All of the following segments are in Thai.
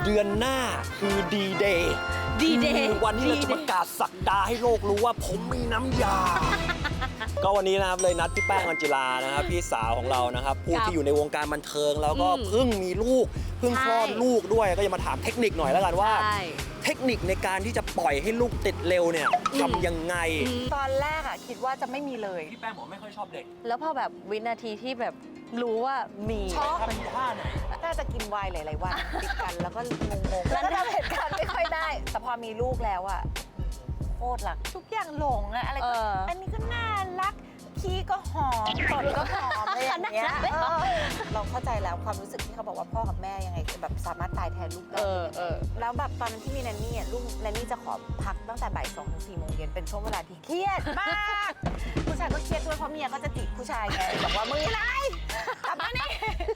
เดือนหน้าคือดีเดย์วันที่เราจะประกาศสักดาให้โลกรู้ว่าผมมีน้ำยา ก็วันนี้นะครับเลยนัดพี่แป้งออนจิลานะครับพี่สาวของเรานะครับผู้ที่อยู่ในวงการบันเทิงแล้วก็เพิ่งมีลูกเพิ่งคลอดลูกด้วยก็จะมาถามเทคนิคหน่อยแล้วกันว่าเทคนิคในการที่จะปล่อยให้ลูกติดเร็วเนี่ยทำยังไงตอนแรกอะคิดว่าจะไม่มีเลยพี่แป้งบอกไม่ค่อยชอบเด็กแล้วพอแบบวินาทีที่แบบรู้ว่ามีชอบทำท่าไหนน่าจะกินไวน์หลายๆวันติดกันแล้วก็งงๆแล้วก็ทำเหตุการณ์ไม่ค่อยได้แต่พอมีลูกแล้วอะโคตรรักทุกอย่างหลงอะอะไรก็อันนี้ก็น่ารักขี้ก็หอมตดก็หอมอะไรอย่างเงี้ยเราเข้าใจแล้วความรู้สึกที่เขาบอกว่าพ่อกับแม่ยังไงแบบสามารถตายแทนลูกได้แล้วแบบตอนนั้นที่มีแนนนี่อ่ะลูกแนนนี่จะขอพักตั้งแต่บ่าย 2 ถึง 4 โมงเย็นเป็นช่วงเวลาที่เครียดมากผู้ชายก็เครียดด้วยเพราะเมียก็จะจิกผู้ชายไงบอกว่ามึงอะไรกลับมานี่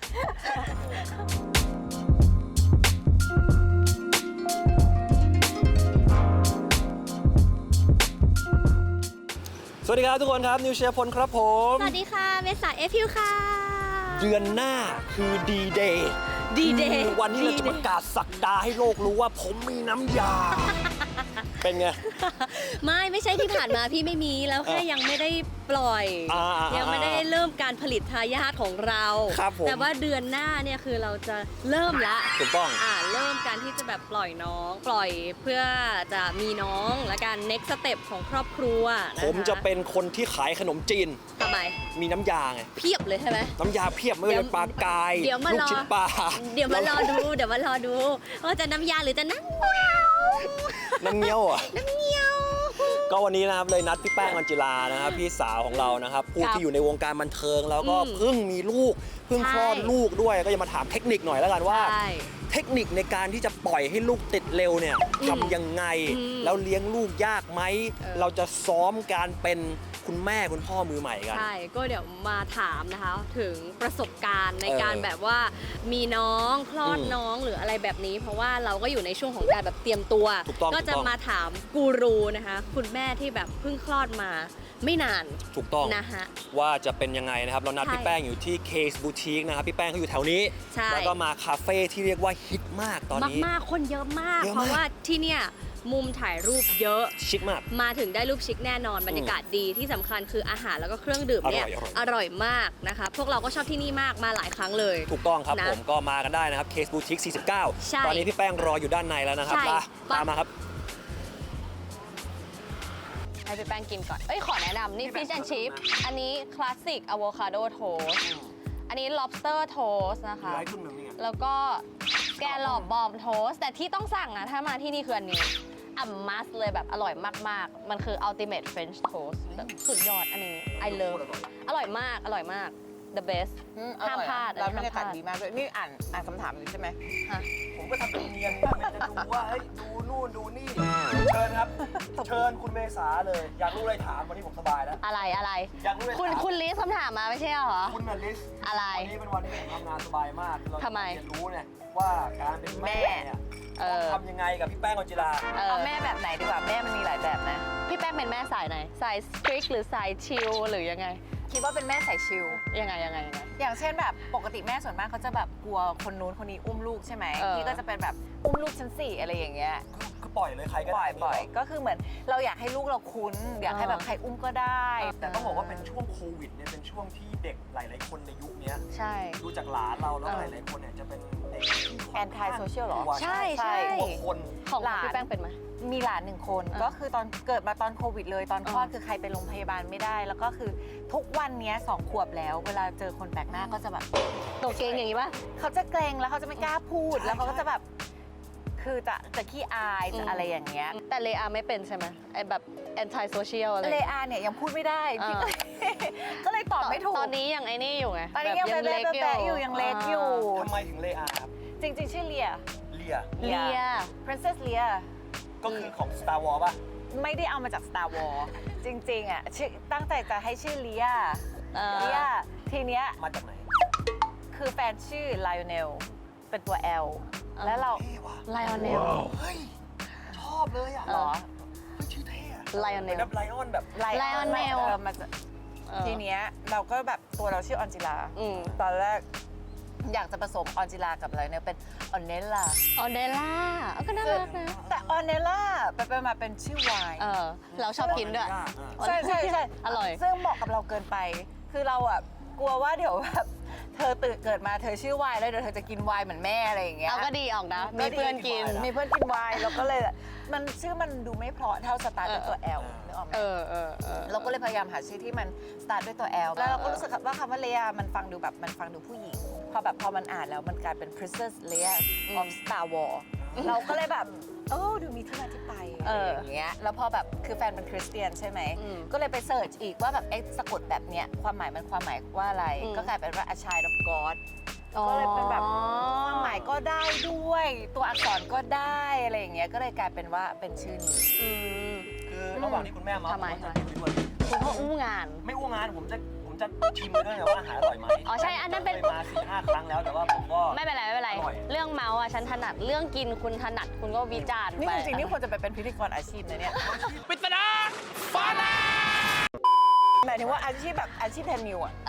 สวัสดีครับทุกคนครับนิวเชียร์พลครับผมสวัสดีค่ะเมษาเอพิวค่ะเดือนหน้าคือดีเดย์วันที่เราจะประกาศสักดาให้โลกรู้ว่าผมมีน้ำยา เป็นไงไม่ใช่ที่ผ่านมาพี่ไม่มีแล้วแค่ยังไม่ได้ปล่อยยังไม่ได้เริ่มการผลิตทายาทของเราแต่ว่าเดือนหน้าเนี่ยคือเราจะเริ่มละถูกต้องเริ่มการที่จะแบบปล่อยน้องปล่อยเพื่อจะมีน้องและการ next step ของครอบครัวผมจะเป็นคนที่ขายขนมจีนทำไมมีน้ำยาไงเพียบเลยใช่ไหมน้ำยาเพียบไม่ว่าจะปลากายลูกชิ้นปลาเดี๋ยวมารอดูว่าจะน้ำยาหรือจะน้ำเงี้ยวน้ำเงี้ยวก็วันนี้นะครับเลยนัดพี่แป้งออนจิลานะครับพี่สาวของเรานะครับผู้ที่อยู่ในวงการบันเทิงแล้วก็เพิ่งมีลูกเพิ่งคลอดลูกด้วยก็จะมาถามเทคนิคหน่อยแล้วกันว่าเทคนิคในการที่จะปล่อยให้ลูกติดเร็วเนี่ยทำยังไงแล้วเลี้ยงลูกยากไหมเราจะซ้อมการเป็นคุณแม่คุณพ่อมือใหม่กันใช่ก็เดี๋ยวมาถามนะคะถึงประสบการณ์ในการแบบว่ามีน้องคลอดน้องหรืออะไรแบบนี้เพราะว่าเราก็อยู่ในช่วงของการแบบเตรียมตัวก็จะมาถามกูรูนะคะคุณแม่ที่แบบเพิ่งคลอดมาไม่นานถูกต้องนะฮะว่าจะเป็นยังไงนะครับเรานัดพี่แป้งอยู่ที่ Case Boutique นะครับพี่แป้งเขาอยู่แถวนี้แล้วก็มาคาเฟ่ที่เรียกว่าฮิตมากตอนนี้มากคนเยอะมากเพราะว่าที่เนี่ยมุมถ่ายรูปเยอะชิคมากมาถึงได้รูปชิคแน่นอนบรรยากาศดีที่สำคัญคืออาหารแล้วก็เครื่องดื่มเนี่ยอร่อยมากนะคะพวกเราก็ชอบที่นี่มากมาหลายครั้งเลยถูกต้องครับผมก็มากันได้นะครับ Case Boutique 49ตอนนี้พี่แป้งรออยู่ด้านในแล้วนะครับตามมาครับให้พี่แป้งกินก่อนขอแนะนำนี่ Fish and Chip อันนี้คลาสสิกอะโวคาโดโทสอันนี้ lobster toast นะคะแล้วก็แกลลอบบอมโทสแต่ที่ต้องสั่งนะถ้ามาที่นี่คืออันนี้มัสเลยแบบอร่อยมากๆมันคือ ultimate French toast สุดยอดอันนี้ I love อร่อยมาก the best ห้ามพลาดแล้วบรรยากาศดีมากด้วยนี่อ่านคำถามอยู่ใช่ไหมผมก็ทำเป็นเนียนจะดูว่าเฮ้ยดูนู่นดูนี่เชิญครับเชิญคุณเมษาเลยอยากรู้อะไรถามวันนี้ผมสบายแล้วอะไรอยากรู้อะไรคุณลิสคำถามมาไม่ใช่เหรอคุณลิสอะไรวันนี้เป็นวันที่ผมทำงานสบายมากเราทำไมเรียนรู้เนี่ยว่าการเป็นแม่เนี่ยทำยังไงกับพี่แป้งออนจิลาเอาแม่แบบไหนดีกว่าแม่มันมีหลายแบบนะพี่แป้งเป็นแม่สายไหนสาย strict หรือสายชิลหรือยังไงคิดว่าเป็นแม่สายชิลยังไงอย่างเช่นแบบปกติแม่ส่วนมากเขาจะแบบกลัวคนนู้นคนนี้อุ้มลูกใช่ไหมพี่ก็จะเป็นแบบอุ้มลูกชั้น4อะไรอย่างเงี้ยคือปล่อยเลยใครก็ได้ปล่อยก็คือเหมือนเราอยากให้ลูกเราคุ้นอยากให้แบบใครอุ้มก็ได้แต่ต้องบอกว่าเป็นช่วงโควิดเนี่ยเป็นช่วงที่เด็กหลายๆคนในยุคนี้ใช่ดูจากหลานเราแล้วหลายๆคนเนี่ยจะเป็นเด็กแอนตี้โซเชียลหรอใช่คนของพี่แป้งเป็นไหมมีหลาน1 คนก็คือตอนเกิดมาตอนโควิดเลยตอนคลอดคือใครไปโรงพยาบาลไม่ได้แล้วก็คือทุกวันนี้2 ขวบแล้วเวลาเจอคนแปลกหน้าก็จะแบบตัวเกรงอย่างนี้ป่ะเขาจะเกรงแล้วเขาจะไม่กล้าพูดแล้วเขาก็จะแบบคือจะขี้อายจะอะไรอย่างเงี้ยแต่เลอาไม่เป็นใช่ไหมไอแบบแอนตี้โซเชียลอะไรเลอาเนี่ยยังพูดไม่ได้ก็เลยตอบไม่ถูกตอนนี้ยังไอ้นี่อยู่ไงตอนนี้ยังเล็กอยู่ยังเล็กอยู่ทำไมถึงเลอาครับจริงๆชื่อเลียPrincess เลียก็คือของ Star Wars ป่ะไม่ได้เอามาจาก Star Wars จริงๆอ่ะตั้งใจจะให้ชื่อเลียทีเนี้ยมาจากไหนคือแฟนชื่อ Lionel เป็นตัว L แล้วเรา Lionel เฮ้ยชอบเลยอ่ะหรอชื่อเท่อะ Lionel แบบไลออนแบบ Lionel ทีเนี้ยเราก็แบบตัวเราชื่อออนจิลาตอนแรกอยากจะผสมออนจิลากับอะไรเนี่ยเป็นออนเนลล่าออเดล่าก็น่ารักนะแต่ออนเนลล่าไปมาเป็นชื่อไวน์เราชอบกินด้วยใช่อร่อยซึ่งเหมาะกับเราเกินไป คือเราอ่ะกลัวว่าเดี๋ยวแบบเธอเกิดมาเธอชื่อไวน์แล้วเดี๋ยวเธอจะกินไวน์เหมือนแม่อะไรอย่างเงี้ยเอาก็ดีออกนะ มีเพื่อนกินมีเพื่อนกินไวน์เราก็เลยมันชื่อมันดูไม่เพราะเท่าสตาร์ทด้วยตัว L นึกออกไหมเราก็เลยพยายามหาชื่อที่มันสตาร์ทด้วยตัว L แล้วเราก็รู้สึกว่าคำว่าเล a มันฟังดูแบบมันฟังดูผู้หญิงพอมันอ่านแล้วมันกลายเป็น Princess Leia of Star Wars เราก็เลยแบบดูมีที่มาที่ไปอะไรอย่างเงี้ยแล้วพอแบบคือแฟนเป็นคริสเตียนใช่ไหมก็เลยไปเสิร์ชอีกว่าแบบสะกดแบบเนี้ยความหมายว่าอะไรก็กลายเป็นว่า a child of God ก็เลยเป็นแบบความหมายก็ได้ด้วยตัวอักษรก็ได้อะไรอย่างเงี้ยก็เลยกลายเป็นว่าเป็นชื่อนี้คือระหว่างที่คุณแม่มาทำไมผมจะกินไปด้วยคุณพ่ออู้งานไม่อ้วงงานผมจะชิมด้วยนะว่าอาหารอร่อยไหมอ๋อใช่อันนั้นเป็นคยมา4-5 ครั้งแล้วแต่ว่าผมก็ไม่เป็นไรไม่เป็นไรอร่อยเรื่องเมาส์อ่ะฉันถนัดเรื่องกินคุณถนัดคุณก็วิจารณ์นี่ไปจริงๆนี่ควรจะไปเป็นพิธีกรอาชีพนะเนี่ยปริศนาฟ้าแลบหมายถึงว่าอาชีพแบบอาชีพแทนมิวอ่ะ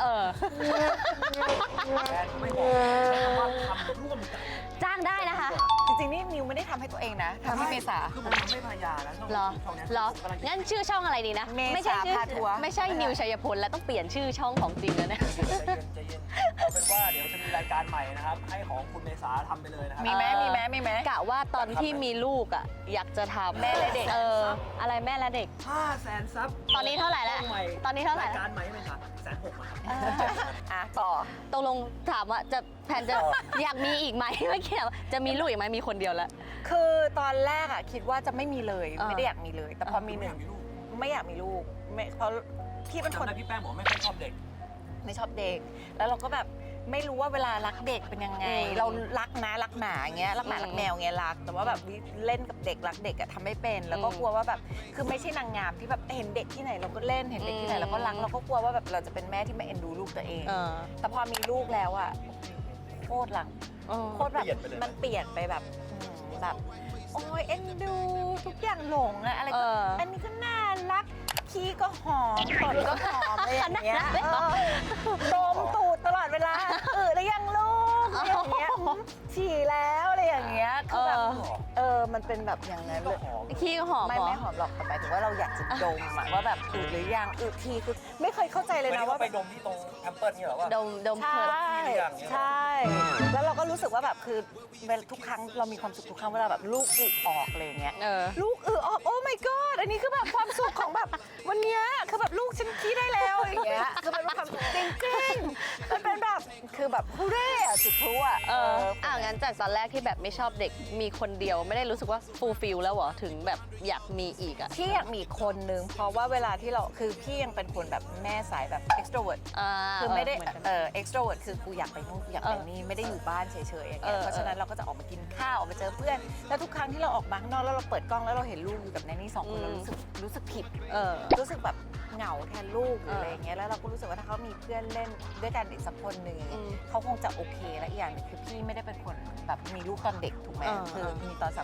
แฟนไม่บอกใช้คำว่าทำร่วมกันจ้างได้นะคะจริงๆนี่มิวไม่ได้ทำให้ตัวเองนะทำให้เมษาคือผมทำให้ภรรยานะช่องเหรอช่องเนี้ยเหรอผมกำลังจะงั้นชื่อช่องอะไรดีนะเมษาไม่ใช่ชื่อพาทัวร์ไม่ใช่นิวชัยพลแล้วต้องเปลี่ยนชื่อช่องของจริงแล้วเนี่ยใจเย็นเอาเป็นว่าเดี๋ยวจะมีรายการใหม่นะครับ ให้ของคุณเมษาทำไปเลยนะครัมีไหมกะว่าตอนที่มีลูกอ่ะอยากจะทำแม่และเด็กอะไรแม่และเด็ก 500,000 ซับตอนนี้เท่าไหร่แล้วช่องใม่ตอนนี้เท่าไหร่รายแล้วการใหม่เป็นค่ะ160,000ครับต่อตกลงถามว่าจะแผนจะอยากมีอีกไหมเมื่อกี้ถามว่าจะมีลูกอีกไหมมีคนเดียวแล้วคือตอนแรกอ่ะคิดว่าจะไม่มีเลยเออไม่ได้อยากมีเลย แต่พอมีหนึ่งมีลูกไม่อยากมีลูกไม่เพราะพี่เป็นคนจำได้พี่แป้งบอกไม่ค่อยชอบเด็กไม่ชอบเด็ก แล้วเราก็แบบไม่รู้ว่าเวลารักเด็กเป็นยังไง เรารักนะรักหมาอย่างเงี้ยรักหมารักแมวอย่างเงี้ยรัก แต่ว่าแบบเล่นกับเด็กรักเด็กอะทำไม่เป็น แล้วก็กลัวว่าแบบคือไม่ใช่นางงามที่แบบเห็นเด็กที่ไหนเราก็เล่นเห็นเด็กที่ไหนเราก็รักเราก็กลัวว่าแบบเราจะเป็นแม่ที่ไม่เอ็นดูลูกตัวเอง แต่พอมีลูกแล้วอะโคตรรักโคตรแบบเปลี่ยนไปเลยมันเปลี่ยนไปแบบแบบโอ้ยเอ็นดูทุกอย่างหลงอะอะไรก็อันนี้ก็น่ารักขี้ก็หอมตดก็หอมอะไรอย่างเงี้ยดมตูดตลอดเวลาแล้วยังลูกอะไรอย่างเงี้ยฉี่แล้วอะไรอย่างเงี้ยคือแบบมันเป็นแบบอย่างนั้นเลยขี้ก็หอมไม่เหรอหอมหรอกแต่หมายถึงว่าเราอยากจะดมอะว่าแบบอืดหรือยังอืดทีคือไม่เคยเข้าใจเลยวันนะนี้ว่าก็ไปดมที่ตรงแอมเปิลเนี่ยเหรอว่าดมใช่เพิร์ดใช่ แล้วเราก็รู้สึกว่าแบบคือเวลาทุกครั้งเรามีความสุขทุกครั้งเวลาแบบลูกอึออกอะไรอย่างเงี้ย ลูกออกโอ้ my god อันนี้คือแบบความสุขของแบบวันเนี้ยคือแบบลูกฉันขี้ได้แล้วอย่างเงี้ยคือมันเป็นความสุขจริงๆมันเป็นแบบคือแบบฮูเร่อะจุดพลุอะงั้นจากตอนแรกที่แบบไม่ชอบเด็กมีคนเดียวไม่ได้รู้สึกว่าฟูลฟิลแล้วเหรอถึงแบบอยากมีอีกอ่ะพี่อยากมีอีกคนนึงเพราะว่าเวลาที่เราคือพี่ยังเป็นคนแบบแม่สายแบบ extrovert คือไม่ได้extrovert คือกูอยากไปนู่นกูอยากไปนี่ไม่ได้อยู่บ้านเฉยๆอย่างเงี้ยเพราะฉะนั้นเราก็จะออกมากินข้าวออกมาเจอเพื่อน แล้วทุกครั้งที่เราออกมาข้างนอกแล้วเราเปิดกล้องแล้วเราเห็นลูกอยู่กับแนนี่สองคนเรารู้สึกผิดรู้สึกแบบเหงาแทนลูกหรืออะไรอย่างเงี้ยแล้วเราก็รู้สึกว่าถ้าเขามีเพื่อนเล่นด้วยกันอีกสักคนหนึ่งเขาคงจะโอเคและอีกอย่างหนึงคือพี่ไม่ได้เป็นคนแบบมีลูกตอนเด็กถูกไหมคือมีตอน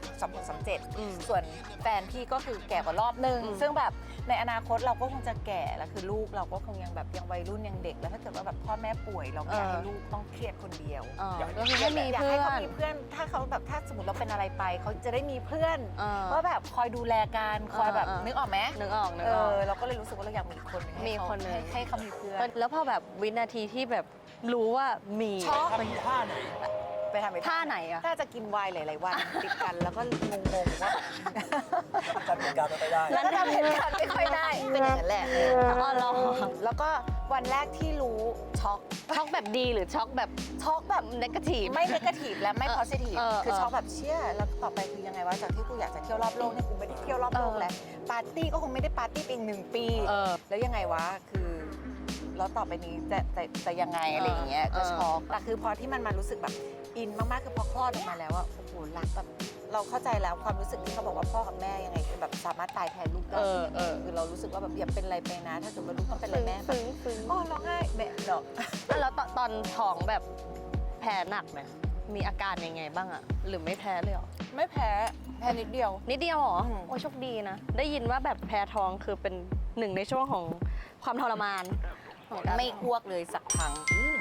36-37ส่วนแฟนพี่ก็คือแก่กว่ารอบนึงซึ่งแบบในอนาคตเราก็คงจะแก่แล้วคือลูกเราก็คงยังแบบยังวัยรุ่นยังเด็กแล้วถ้าเกิดว่าแบบพ่อแม่ป่วยเราไม่อยากให้ลูกต้องเครียดคนเดียวก็คือไม่มีอยากเพื่ให้อเขานมีเพื่อนถ้าเขาแบบถ้าสมมติเราเป็นอะไรไปเขาจะได้มีเพื่อนว่าแบบคอยดูแลกันคอยแบบนึกออกไหมนึกออกเราก็เลยรู้สึกว่าเราอยากมีคนหนึ่งมีคนหนึ่งให้เขามีเพื่อนแล้วพอแบบวินาทีที่แบบรู้ว่ามีช็อกถ้ามีท่าไหนไปทำไปท่าไหนอะน่าจะกินไวน์หลายๆวันติดกันแล้วก็งงๆว่าจำเหตุการณ์ไม่ได้แล้วก็ทำเหตุการณ์ไม่ค่อยได้เป็นอย่างนั้นแหละอ๋อเหรอแล้วก็วันแรกที่รู้ช็อกช็อกแบบดีหรือช็อกแบบช็อกแบบเนกาทีฟไม่เนกาทีฟและไม่ positive คือเออช็อกแบบเชี่ยแล้วต่อไปคือยังไงวะจากที่กูอยากจะเที่ยวรอบโลกเนี่ยกูไม่ได้เที่ยวรอบโลกแล้วปาร์ตี้ก็คงไม่ได้ปาร์ตี้ไปอีก1 ปีแล้วยังไงวะคือแล้วต่อไปนี้จะยังไงอะไรอย่างเงี้ยก็ช็อกแต่คือพอที่มันมารู้สึกแบบอินมากๆคือพอคลอดออกมาแล้วอะโอ้โหรักแบบเราเข้าใจแล้วความรู้สึกที่เขาบอกว่าพ่อกับแม่ยังไงคือแบบสามารถตายแทนลูกได้คือเรารู้สึกว่าแบบอย่าเป็นอะไรไปนะ ถ้าเกิดว่าลูกต้องเป็นอะไรแม่แบบอ๋อร้องไห้แม่เนาะแล้วตอนท้องแบบแพ้หนักไหมมีอาการยังไงบ้างอะหรือไม่แพ้เลยเหรอไม่แพ้นิดเดียวนิดเดียวเหรออืมโอ้ยโชคดีนะ ได้ยินว่าแบบแพ้ท้องคือเป็นหนึ่งในช่วงของความทรมานของการไม่อ้วกเลยสักครั้ง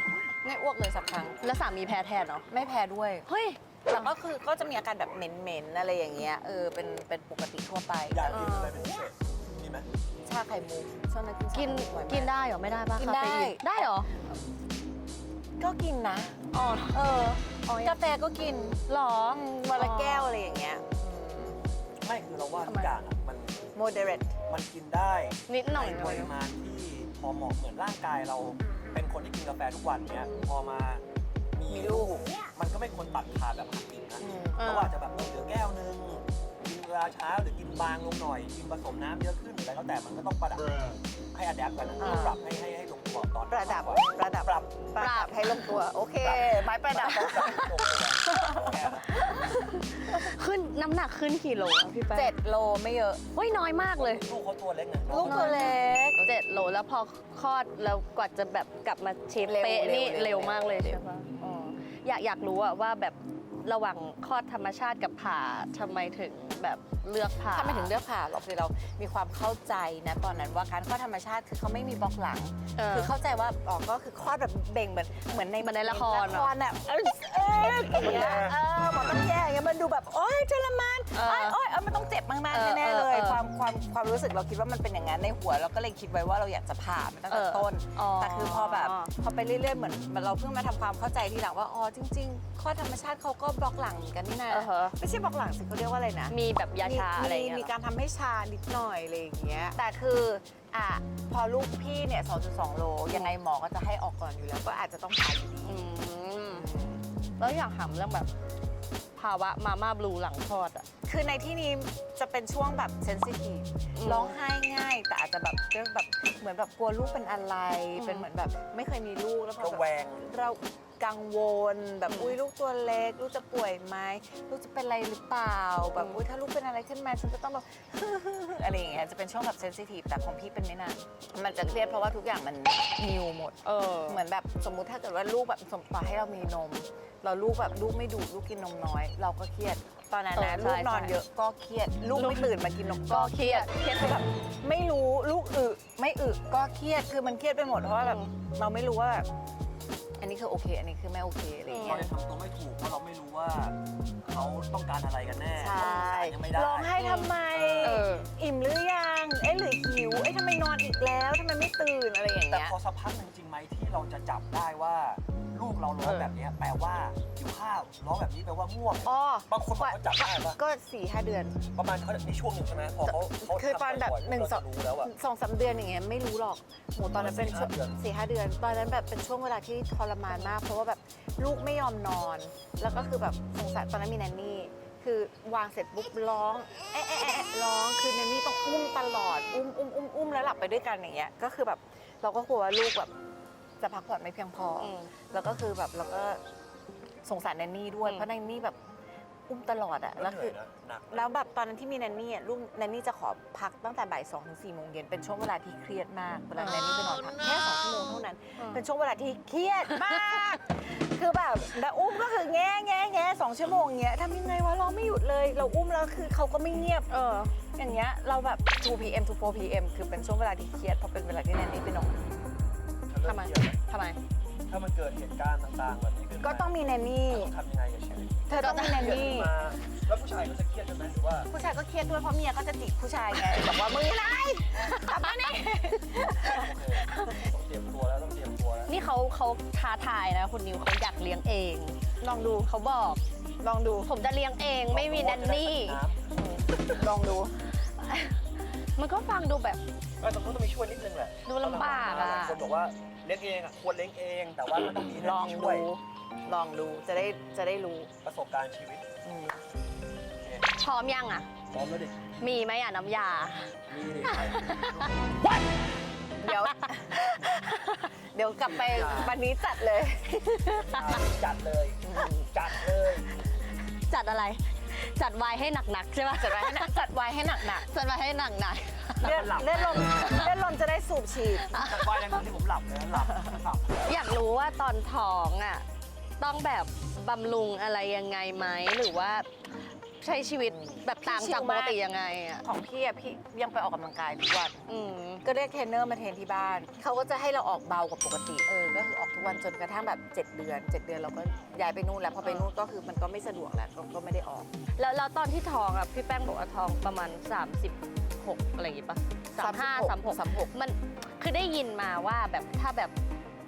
ไม่อ้วกเลยสักครั้งแล้วสามีแพ้แทนเนาะไม่แพ้ด้วยเฮ้ยแต่ก็คือก็จะมีอาการแบบเหม็นๆอะไรอย่างเงี้ยเป็นปกติทั่วไปอยากกินอะไรเป็นพิเศษมีไหมชาไข่มุกช่วงนั้นกินชากินไข่มุกบ่อยมากกินได้เหรอไม่ได้ปะกินได้คาเฟอีได้เหรอก็กินนะอ๋อกาแฟก็กินหรอวันละแก้วอะไรอย่างเงี้ยไม่คือเราว่าทุกอย่างอะมัน moderate มันกินได้นิดหน่อยในปริมาณที่พอเหมาะเหมือนร่างกายเราเป็นคนที่กินกาแฟทุกวันเนี้ยพอมามีลูกมันก็ไม่ควรตัดขาดแบบหักดิบนะ เพราะว่าจะแบบเหลือแก้วนึงกินเวลาเช้าหรือกินบางลงหน่อยกินผสมน้ำเยอะขึ้นหรืออะไรก็แต่มันก็ต้องประดับให้อะแดปกันนะปรับให้ลงตัวตอนประดับปรับประดับให้ลงตัว โอเค ไม้ประดับลงตัวแค่นั้นขึ้นน้ำหนักขึ้นกี่โลอะพี่แป้ง 7 โลไม่เยอะเฮ้ยน้อยมากเลยลูกเขาตัวเล็กนะลูกตัวเล็ก 7 โลแล้วพอคลอดแล้วกว่าจะแบบกลับมาเชฟเร็วเป๊ะนี่เร็เร็ววมากเลยเร็วใช่ปะอ๋ออยากรู้อะว่าแบบระหว่างคลอดธรรมชาติกับผ่าทำไมถึงแบบเลือกผ่าถ้าไม่ถึงเลือกผ่าหรอกคือเรามีความเข้าใจนะตอนนั้นว่าการคลอดธรรมชาติคือเขาไม่มีบล็อกหลัง คือเข้าใจว่าอ๋อก็คือคลอดแบบเบ่งเหมือนในเหมือนในละครละครน่ะอย่างเงี้ยหมอต้องแย่อย่างเงี้ยมันดูแบบโอ๊ยทรมานโอ๊ยมันต้องเจ็บมากๆแน่ๆเลยความรู้สึกเราคิดว่ามันเป็นอย่างนั้นในหัวเราก็เลยคิดไว้ว่าเราอยากจะผ่ามันตั้งแต่ต้น แต่คือพอไปเรื่อยๆเหมือนเราเพิ่งมาทำความเข้าใจทีหลังว่าอ๋อจริงๆคลอดธรรมชาติเขาก็บล็อกหลังเหมือนกันนี่นะไม่ใช่บล็อกหลังสิเขาเรียกว่าอะไรนะมีแบบยาชาอะไรอย่างเงี้ยมีการทำให้ชานิดหน่อยอะไรอย่างเงี้ย แต่คือพอลูกพี่เนี่ย 2.2 โล ยังไงหมอก็จะให้ออกก่อนอยู่แล้ว ก็อาจจะต้องผ่าอยู่ดีแล้วอยากถามเรื่องแบบภาวะมาม่าบลูหลังคลอดอะคือในที่นี้จะเป็นช่วงแบบเซนซิทีฟ ร้องไห้ง่าย แต่อาจจะแบบเรื่องแบบเหมือนแบบกลัวลูกเป็นอะไร เป็นเหมือนแบบไม่เคยมีลูกแล้วพอระแบบแวงเรากังวลแบบอุ้ยลูกตัวเล็ก ลูกจะป่วยไหมลูกจะเป็นอะไรหรือเปล่า แบบอุ้ยถ้าลูกเป็นอะไรขึ้นมาฉันจะต้องแบบ อะไรอย่างเงี้ยจะเป็นช่วงแบบเซนซิทีฟแต่ของพี่เป็นไม่นานมันจะเครียดเพราะว่าทุกอย่างมันนิวหมดเหมือนแบบสมมุติถ้าเกิดว่าลูกแบบต่อให้เรามีนม เราลูกแบบลูกไม่ดูดลูกกินนมน้อย เราก็เครียดตอนนั้นนะลูกนอนเยอะก็เครียดลูกไม่ตื่นมากินนมก็เครียดคือแบบไม่รู้ลูกไม่ก็เครียดคือมันเครียดไปหมดเพราะว่าแบบเราไม่รู้ว่าแบบอันนี้คือโอเค อันนี้คือไม่โอเคอะไรอย่างเราเงี้ยจะทำตัวไม่ถูกเพราะเราไม่รู้ว่าเขาต้องการอะไรกันแน่ใช่ยังไม่ได้ร้องไห้ทำไม อิ่มหรือยังหรือหิวทำไมนอนอีกแล้วทำไมไม่ตื่นอะไรอย่างแต่เงี้ยพอสักพักหนึ่งจริงไหมที่เราจะจับได้ว่าลูกเราร้องแบบเนี้ยแปลว่าหิวข้าวร้องแบบนี้แปลว่าง่วงอ๋อบางคนบอกเขาจับได้ปะก็ 4-5 เดือนประมาณเขามีช่วงหนึ่งใช่ไหมพอเขาคือตอนแบบทำบ่อยๆ 1-2 เราจะรู้แล้วอะ 2-3 เดือนอย่างเงี้ยไม่รู้หรอกโหตอนนั้นเป็นช่วง 4-5 4-5 เดือน ตอนนั้นแบบเป็นช่วงเวลาที่ทรมานมาก เพราะว่าแบบลูกไม่ยอมนอน แล้วก็คือแบบสงสารตอนนั้นมีแนนนี่ คือวางเสร็จปุ๊บร้องร้องคือแนนนี่ต้องอุ้มตลอดอุ้มแล้วหลับไปด้วยกันอย่างเงี้ยก็คือแบบเราก็กลัวว่าลูกแบบจะพักผ่อนไม่เพียงพออแล้วก็คือแบบเราก็สงสารแนนนี่ด้วยเพราะแนนนี่แบบอุ้มตลอดอะแล้วคือหนักแล้วแบบตอนนั้นที่มีแนนนี่ลูกแนนนี่จะขอพักตั้งแต่บ่าย2 ถึง 4 โมงเย็นเป็นช่วงเวลาที่เครียดมากเวลาแนนนี่ไปนอนพักแค่2 ชั่วโมงเท่านั้น เป็นช่วงเวลาที่เครียดมาก คือแบบแล้วอุ้มก็คือแง่2 ชั่วโมงเงี้ยทำยังไงวะร้องไม่หยุดเลย เราอุ้มแล้วคือเขาก็ไม่เงียบอย่างเงี้ยเราแบบ2 PM to 4 PM คือเป็นช่วงเวลาที่เครียดเพราะเป็นเวลาที่แนนนี่ไปนอนทำไมถ้ามันเกิดเหตุการณ์ต่างๆแบบนี้ขึ้นมาก็ต้องมีแนนนี่ต้องทำยังไงกับชีวิตเธอต้องมีแนนนี่มาแล้วผู้ชายก็จะเครียดใช่ไหมหรือว่าผู้ชายก็เครียดด้วยเพราะเมียก็จะจิกผู้ชายไงบอกว่ามึงอะไรกลับมานี่ต้องเตรียมตัวแล้วต้องเตรียมตัวแล้วนี่เขาท้าทายนะคุณนิวเขาอยากเลี้ยงเองลองดูเขาบอกลองดูผมจะเลี้ยงเองไม่มีแนนนี่ลองดูมันก็ฟังดูแบบก็ต้องมีช่วยนิดนึงแหละดูลำบากอะคนบอกว่าเลี้ยงเองอะควรเลี้ยงเอง แต่ว่ามันต้องมีลองช่ดูวยลองดูจะได้รู้ประสบการณ์ชีวิตพร้อมยังอ่ะพร้อมแล้วดิมีไหมอ่ะน้ำยามีดิเดี๋ยว เดี๋ยวกลับไปวันนี้จัดเลยจัดเลยจัดเลยจัดอะไร จัดไวน์ให้หนักๆใช่ปะจัดไว้ให้หนักจัดไว้ให้หนักจัดไวน์ให้หนักๆเลือดลมจะได้สูบฉีดจัดไว้ในที่ผมหลับเลยหลับๆ อยากรู้ว่าตอนท้องอ่ะต้องแบบบำรุงอะไรยังไงไหมหรือว่าใช้ชีวิตแบบต่างจากปกติยังไงอ่ะของพี่อะพี่ยังไปออกกำลังกายทุกวันอืมก็เรียกเทรนเนอร์มาเทรนที่บ้าน เขาก็จะให้เราออกเบากว่าปกติ ก็คือออกทุกวันจนกระทั่งแบบ7 เดือน 7 เดือนเราก็ย้ายไปนู่นแล้ว พอไปนู่นก็คือมันก็ไม่สะดวกแล้วก็ไม่ได้ออกแล้วตอนที่ท้องอ่ะพี่แป้งบอกว่าท้องประมาณ 36 อะไรอย่างงี้ปะ35 36มันคือได้ยินมาว่าแบบถ้าแบบ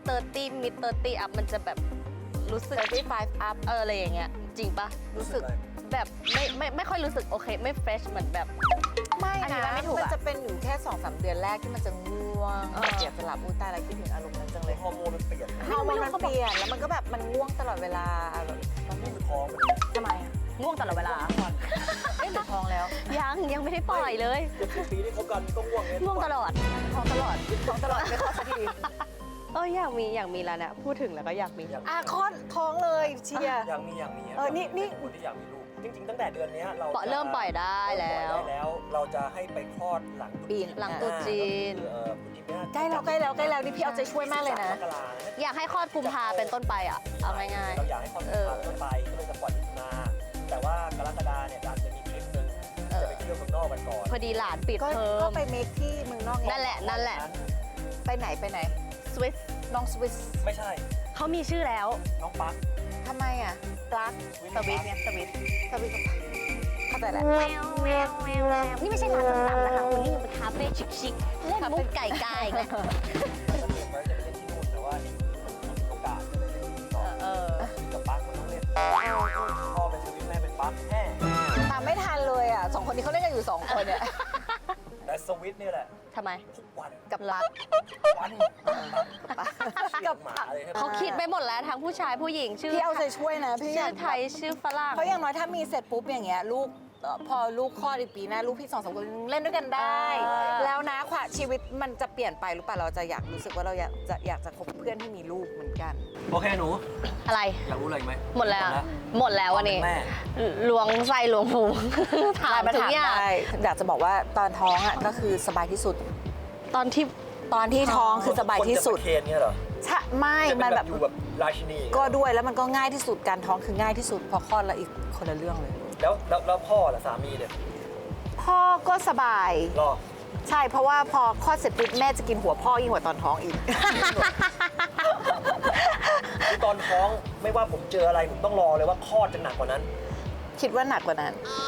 30 mid 30 up มันจะแบบรู้สึก 35 up อะไรอย่างเงี้ยจริงปะรู้สึกแบบไม่ค่อยรู้สึกโอเคไม่เฟรชเหมือนแบบไม่อธินะบายไม่ถูกอะมันจะเป็นอยู่แค่ 2-3 เดือนแรกที่มันจะง่วงเออเสียสลับตายแล้วคิดถึงอารมณ์นั้นจังเลยฮอร์โมนมันเปลี่ยนฮอร์โมนมันเปลี่ยนแล้วมันก็แบบมันง่วงตลอดเวลาแบบต้องมีท้องทำไมอะง่วงตลอดเวลาเอ๊ะหรือท้องแล้วยังไม่ได้ปล่อยเลย 70 ปีที่คบกันก็ง่วงง่วงตลอดท้องตลอดไม่คลอดสักทีอยากมีแล้วเนี่ยพูดถึงแล้วก็อยากมีคลอดท้องเลยเชียร์อยากมีนี่คนที่อยากมีลูกจริงๆตั้งแต่เดือนนี้เราเริ่มปล่อยได้แล้วเราจะให้ไปคลอดหลังปีนหลังตรุษจีนใกล้แล้วนี่พี่เอาใจช่วยมากเลยนะอยากให้คลอดกุมภาเป็นต้นไปอ่ะเอาง่ายเราอยากให้คลอดกุมภาต้นไปก็เลยจะปล่อยมิถุนาแต่ว่ากรกฎาเนี่ยอาจจะมีทริปนึงจะไปเที่ยวเมืองนอกกันก่อนๆพอดีหลานปิดก็เทอก็มไปเมคที่เมืองนอกไงนั่นแหละไปไหนสวิสน้องสวิสไม่ใช่เขามีชื่อแล้วน้องปั๊กทำไมอ่ะปลั๊กสวิสไงสวิสสวิสเข้าใจแล้วนี่ไม่ใช่ร้านส้มตำนะคะคุณนี่เป็นคาเฟ่ชิคๆเล่นมุกไก่ๆไงก็เตรียมไว้จะไปเล่นที่นู่นแต่ว่านี่มีโอกาสก็เลยได้เล่นที่ต่อกับปั๊กมันต้องเล่นพ่อเป็นสวิตแม่เป็นปั๊กแน่ตามไม่ทันเลยอ่ะ2 คนนี้เขาเล่นกันอยู่2 คนเนี่ยแต่สวิตนี่แหละทำไมทุกวันกับปลั๊กวันกับหมาเลยครับเขาคิดไปหมดแล้วทั้งผู้ชายผู้หญิงชื่อพี่เอาใจช่วยนะพี่ชื่อไทยชื่อฝรั่งเพราะอย่างน้อยถ้ามีเสร็จปุ๊บอย่างเงี้ยลูกพอลูกคลอดอีกปีหน้าลูกพี่2-3 คนเล่นด้วยกันได้ แล้วนะความชีวิตมันจะเปลี่ยนไปหรือเปล่าเราจะอยากรู้สึกว่าเราอยากจะคบเพื่อนที่มีลูกเหมือนกันโอเคหนูอะไรอยากรู้อะไรอีกไหมหมดแล้ววันนี้แม่ล้วงไส้ล้วงพุงถามทุกอย่างได้อยากจะบอกว่าตอนท้องอ่ะก็คือสบายที่สุดตอนที่ตอนที่ท้องคือสบายที่สุดคนจะประเคนเนี่ยเหรอใช่ไม่จะเป็มันนแบแบบ บอยู่แบบราชินีก็ด้วยแล้วมันก็ง่ายที่สุดการท้องคือง่ายที่สุดพอคลอดแล้วอีกคนละเรื่องเลยแล้วพ่อล่ะสามีเนี่ยพ่อก็สบายรอใช่เพราะว่าพอคลอดเสร็จปุ๊บแม่จะกินหัวพ่อยิ่งกว่าตอนท้องอีกคือตอนท้องไม่ว่าผมเจออะไรผมต้องรอเลยว่าคลอดจะหนักกว่านั้นคิดว่าหนักกว่านั้น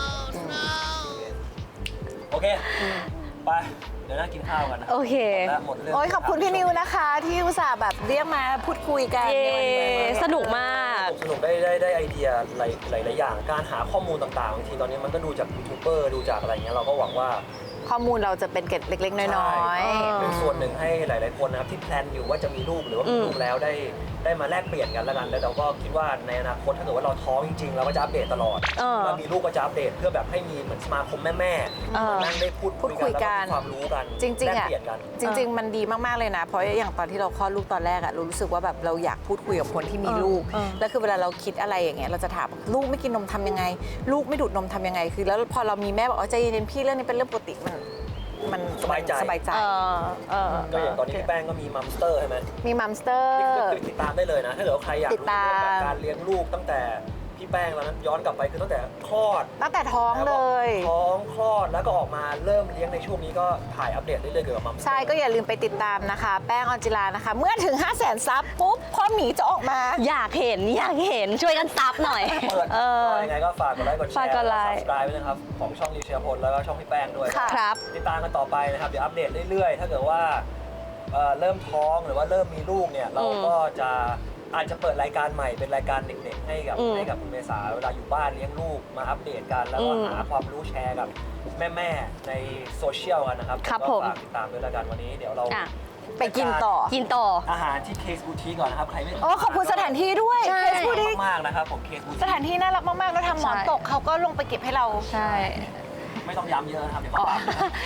โอเคไปเดี๋ยวนั่งกินข้าวกันนะโอเคหมดเรื่องโอ้ยขอบคุณพี่นิวนะคะ ที่อุตส่าห์แบบเรียกมาพูดคุยกันเย้สนุกมากสนุกได้ไอเดียหลายอย่างการหาข้อมูลต่างๆบางทีตอนนี้มันก็ดูจากยูทูบเบอร์ดูจากอะไรเงี้ยเราก็หวังว่าข้อมูลเราจะเป็นเกร็ดเล็ก ๆ น้อยใช่เป็นส่วนหนึ่งให้หลายๆคนนะครับที่แพลนอยู่ว่าจะมีลูกหรือว่ามีลูกแล้วได้มาแลกเปลี่ยนกันแล้วกันแล้วเราก็คิดว่าในอนาคตถ้าเกิดว่าเราท้องจริงๆเราก็จะอัปเดตตลอด เรามีลูกก็จะอัปเดตเพื่อแบบให้มีเหมือนสมาคมแม่ๆมานั่งได้พูดคุยกันแล้วก็มีความรู้กันๆ จริงๆแลกอ่ะเปลี่ยนกันจริง ๆ มันดีมาก ๆ เลยนะ เพราะอย่างตอนที่เราคลอดลูกตอนแรกอะเรารู้สึกว่าแบบเราอยากพูดคุยกับคนที่มีลูก แล้วคือเวลาเราคิดอะไรอย่างเงี้ยเราจะถามลูกไม่กินนมทำยังไง ลูกไม่ดูดนมทำยังไง คือแล้วพอเรามีแม่บอกใจเย็นๆพี่เรื่องนี้เป็นเรื่องปกติมันสบายใจสบายใจก็อย่างตอนนี้พี่แป้งก็มีมัมสเตอร์ใช่ไหมมีมัมสเตอร์นี่ก็คือติดตามได้เลยนะ ถ้าเกิดว่าใครอยากติดรู้ตามเรื่องแบบการเลี้ยงลูกตั้งแต่พี่แป้งแล้วนั้นย้อนกลับไปคือตั้งแต่คลอดตั้งแต่ท้องเลยท้องคลอดแล้วก็ออกมาเริ่มเลี้ยงในช่วงนี้ก็ถ่ายอัปเดตเรื่อยๆเกี่ยวกับมัมใช่ก็อย่าลืมไปติดตามนะคะ แป้งออนจิลานะคะ เมื่อถึง 500,000 ซับปุ๊บพ่อหมีจะออกมาอยากเห็นช่วยกันซับหน่อยเปิดยังไงก็ฝากกดไลค์กดแชฝากร์กดไลค์ซับสไครป์ไว้นะครับของช่องรีเชียร์พลแล้วก็ช่องพี่แป้งด้วยค่ะครับติดตามกันต่อไปนะครับเดี๋ยวอัปเดตเรื่อยๆ ถ้าเกิดว่าเริ่มท้องหรือว่าเริ่มมีลูกเนี่ยเราก็จะอาจจะเปิดรายการใหม่เป็นรายการเด็กๆให้กับคุณเมษาเวลาอยู่บ้านเลี้ยงลูกมาอัปเดตกันแล้วก็หาความรู้แชร์กับแม่ๆในโซเชียลกันนะครับครับก็ผมฝากติดตามด้วยแล้วกันวันนี้เดี๋ยวเราไปกินต่อกินต่ออาหารที่เคสบูทีก่อนนะครับใครไม่โอ้ขอบคุณสถานที่ด้วยใช่เคสพูดดิมากๆนะครับผมเคสบูทีสถานที่น่ารักมาก ๆ แล้วทำหมอนตกเขาก็ลงไปเก็บให้เราใช่ไม่ต้องย้ำเยอะนะครับเดี๋ยวเขาปรับบ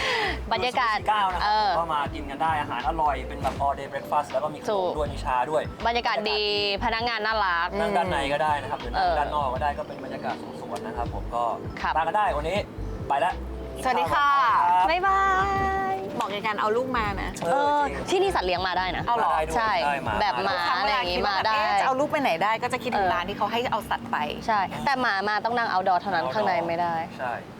รรยากาศ 9นะครับก็มากินกันได้อาหารอร่อยเป็นแบบ all day breakfast แล้วก็มีขนมด้วยมีชาด้วยบรรยากาศดีพนักงานน่ารักนั่งด้านในก็ได้นะครับหรือนั่งด้านนอกก็ได้ก็เป็นบรรยากาศสวนๆนะครับผมก็ครับมากันได้วันนี้ไปแล้วสวัสดีค่ะรับบ๊ายบาย บอกไกลการเอาลูกมานะที่นี่สัตว์เลี้ยงมาได้นะเอาเหรอได้ด้วยใช่ได้มาแบบหมาครั้งอะเวไรอลาย่างคิงี้ดว่ามาแบบได้จะเอาลูกไปไหนได้ก็จะคิดถึงร้านที่เขาให้เอาสัตว์ไปใช่ แต่หมามาต้องนั่งเอาดอเท่านั้นข้างในไม่ได้ใช่